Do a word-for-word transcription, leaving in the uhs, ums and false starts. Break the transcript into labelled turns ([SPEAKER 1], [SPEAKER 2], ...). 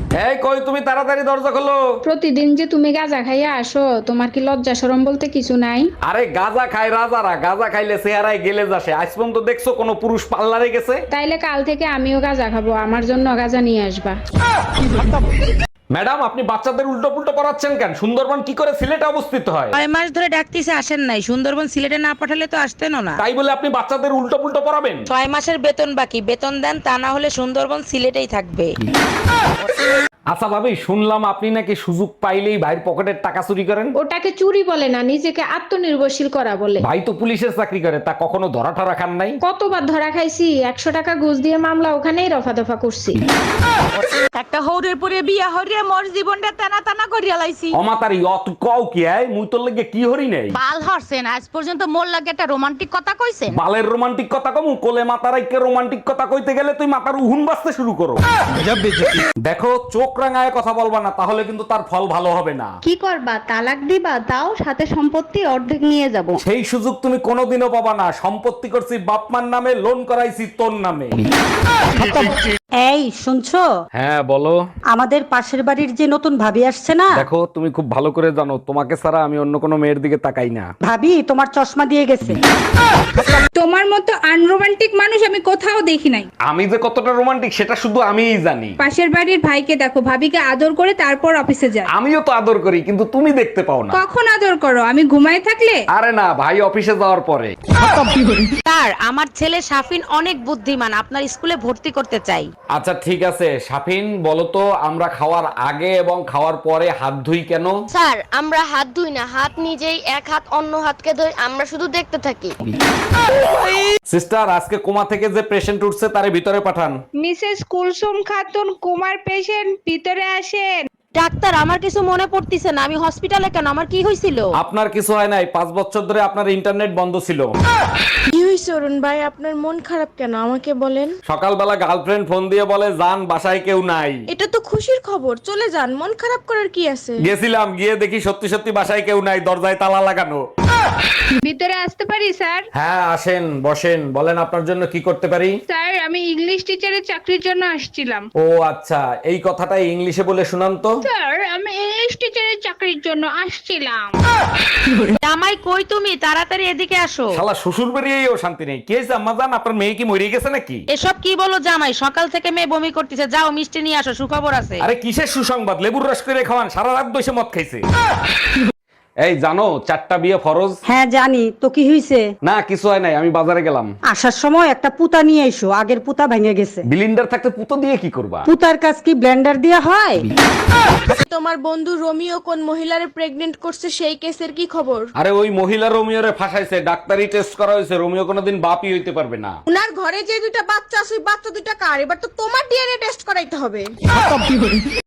[SPEAKER 1] এই কই তুমি, তাড়াতাড়ি দরজা খোলো।
[SPEAKER 2] প্রতিদিন যে তুমি গাঁজা খাইয়া আসো, তোমার কি লজ্জা শরম বলতে কিছু নাই?
[SPEAKER 1] আরে গাঁজা খায় রাজারা, গাঁজা খাইলে চেহারায় গেলে যাসে। আজ পর্যন্ত দেখছো কোনো পুরুষ পার্লারে গেছে?
[SPEAKER 2] তাইলে কাল থেকে আমিও গাঁজা খাবো, আমার জন্য গাঁজা নিয়ে আসবা।
[SPEAKER 1] ম্যাডাম, আপনি বাচ্চাদের উল্টো পুল্টো পড়াচ্ছেন কেন? সুন্দরবন কি করে সিলেটে অবস্থিত হয়?
[SPEAKER 3] ছয় মাস ধরে ডাকতেছে আসেন নাই, সুন্দরবন সিলেটে না পাঠালে তো আসতেনও না।
[SPEAKER 1] তাই বলে আপনি বাচ্চাদের উল্টো পুল্টো পড়াবেন?
[SPEAKER 3] ছয় মাসের বেতন বাকি, বেতন দেন, তা না হলে সুন্দরবন সিলেটেই থাকবে।
[SPEAKER 1] আচ্ছা ভাবি, শুনলাম আপনি নাকি সুযোগ পাইলেই ভাইয়ের পকেটের টাকা চুরি করেন।
[SPEAKER 2] ওটাকে চুরি বলে না, নিজেকে আত্মনির্ভরশীল করা বলে।
[SPEAKER 1] ভাই তো পুলিশের চাকরি করে, তা কখনো ধরা ঠরা খান নাই?
[SPEAKER 2] কতবার ধরা খাইছি, একশো টাকা ঘুষ দিয়ে মামলা ওখানেই রফা দফা করছি।
[SPEAKER 3] একটা হৌরের পরে বিয়া হরিয়া মোর জীবনটা টানা টানা করিয়া লাইছি।
[SPEAKER 1] অমাতারি অত কও কি আয়, মুই তোর লেগে কি হরি নাই?
[SPEAKER 3] বাল হরছেন, আজ পর্যন্ত মোর লাগে একটা রোমান্টিক কথা কইছেন?
[SPEAKER 1] বালের রোমান্টিক কথা কমু? কোলে মাতার আইকে রোমান্টিক কথা কইতে গেলে তুই মাথার উহুন বাজতে শুরু করো। দেখো, চোখ রাঙায় কথা বলবা না, তাহলে কিন্তু তার ফল ভালো হবে না।
[SPEAKER 4] কি করবা, তালাক দিবা? তাও সাথে সম্পত্তি অর্ধেক নিয়ে যাব।
[SPEAKER 1] সেই সুযোগ তুমি কোনোদিনও পাবা না। সম্পত্তি করছি বাপমার নামে, লোন করাইছি তোর নামে।
[SPEAKER 5] এই শুনছো?
[SPEAKER 1] হ্যাঁ বলো।
[SPEAKER 5] আমাদের পাশের বাড়ির যে নতুন ভাবি আসছে না,
[SPEAKER 1] দেখো, তুমি খুব ভালো করে জানো তোমাকে ছাড়া আমি অন্য কোনো মেয়ের দিকে তাকাই না।
[SPEAKER 5] ভাবি তোমার চশমা দিয়ে গেছে।
[SPEAKER 2] তোমার মতো আনরোমান্টিক মানুষ আমি কোথাও দেখি নাই।
[SPEAKER 1] আমি যে কতটা রোমান্টিক সেটা শুধু আমিই জানি।
[SPEAKER 2] পাশের বাড়ির ভাইকে দেখো, ভাবিকে আদর করে তারপর অফিসে যায়।
[SPEAKER 1] আমিও তো আদর করি, কিন্তু তুমি দেখতে পাও না।
[SPEAKER 2] কখন আদর করো? আমি ঘুমায় থাকলে?
[SPEAKER 1] আরে না, ভাই অফিসে যাওয়ার পরে।
[SPEAKER 3] স্যার, আমার ছেলে সাফিন অনেক বুদ্ধিমান, আপনার স্কুলে ভর্তি করতে চাই।
[SPEAKER 1] আচ্ছা ঠিক আছে, সাফিন বলো তো, আমরা খাওয়ার আগে এবং খাওয়ার পরে হাত ধুই কেন?
[SPEAKER 6] স্যার, আমরা হাত ধুই না, হাত নিজেই এক হাত অন্য হাতকে ধুই, আমরা শুধু দেখতে থাকি।
[SPEAKER 1] সিস্টার, আজকে কোমা থেকে যে পেশেন্ট উঠছে তারে ভিতরে পাঠান।
[SPEAKER 2] মিসেস কুলসুম খাতুন, কুমার পেশেন্ট, ভিতরে আসেন।
[SPEAKER 3] ডাক্তার, আমার কিছু মনে পড়তিছে না, আমি হসপিটালে কেন, আমার কি হয়েছিল?
[SPEAKER 1] আপনার কিছু হয় নাই, পাঁচ বছর ধরে আপনার ইন্টারনেট বন্ধ ছিল।
[SPEAKER 6] কি হয়েছে অরুণ ভাই, আপনার মন খারাপ কেন আমাকে বলেন?
[SPEAKER 1] সকালবেলা গার্লফ্রেন্ড ফোন দিয়ে বলে যান বাসায় কেউ নাই।
[SPEAKER 6] এটা তো খুশির খবর, চলে যান, মন খারাপ করার কি আছে?
[SPEAKER 1] গেছিলাম, গিয়ে দেখি সত্যি সত্যি বাসায় কেউ নাই, দরজায় তালা লাগানো।
[SPEAKER 2] ভিতরে আসতে পারি স্যার?
[SPEAKER 1] হ্যাঁ আসেন, বসেন, বলেন আপনার জন্য কি করতে পারি।
[SPEAKER 2] স্যার, আমি ইংলিশ টিচারের চাকরির জন্য আসছিলাম।
[SPEAKER 1] ও আচ্ছা, এই কথাটা ইংলিশে বলে শুনান তো।
[SPEAKER 2] স্যার, আমি ইংলিশ টিচারের চাকরির জন্য আসছিলাম।
[SPEAKER 3] জামাই কই তুমি, তাড়াতাড়ি এদিকে আসো।
[SPEAKER 1] শালা শ্বশুর বেরিয়েও শান্তি নেই। কি হয়েছে আম্মা জান, আপনার মেয়ে কি মরে গেছে নাকি?
[SPEAKER 3] এসব কি বলো জামাই, সকাল থেকে মেয়ে বমি করতেছে, যাও মিষ্টি নিয়ে আসো, সুখবর আছে।
[SPEAKER 1] আরে কিসের সুসংবাদ, লেবুর রস করে খাওয়ান, সারা রাত বসে মদ খাইছে। এই জানো চারটা বিয়ে ফরজ?
[SPEAKER 5] হ্যাঁ জানি, তো কি হইছে?
[SPEAKER 1] না কিছু হয় নাই, আমি বাজারে গেলাম।
[SPEAKER 5] আসার সময় একটা পুতা নিয়ে এসো, আগের পুতা ভেঙে গেছে।
[SPEAKER 1] বিলিন্ডার থাকতে পুতো দিয়ে কি করবা?
[SPEAKER 5] পুতার কাজ কি ব্লেন্ডার দিয়ে হয়?
[SPEAKER 6] তোমার বন্ধু রোমিও কোন মহিলারে প্রেগনেন্ট করছে, সেই কেসের কি খবর?
[SPEAKER 1] আরে ওই মহিলা রোমিওরে ফাঁসাইছে, ডাক্তারি টেস্ট করা হয়েছে, রোমিও কোনোদিন বাপই হইতে পারবে না।
[SPEAKER 6] উনার ঘরে যে দুইটা বাচ্চা আছে, ওই বাচ্চা দুইটা কার? এবার তো তোমার ডিএনএ টেস্ট করাইতে হবে।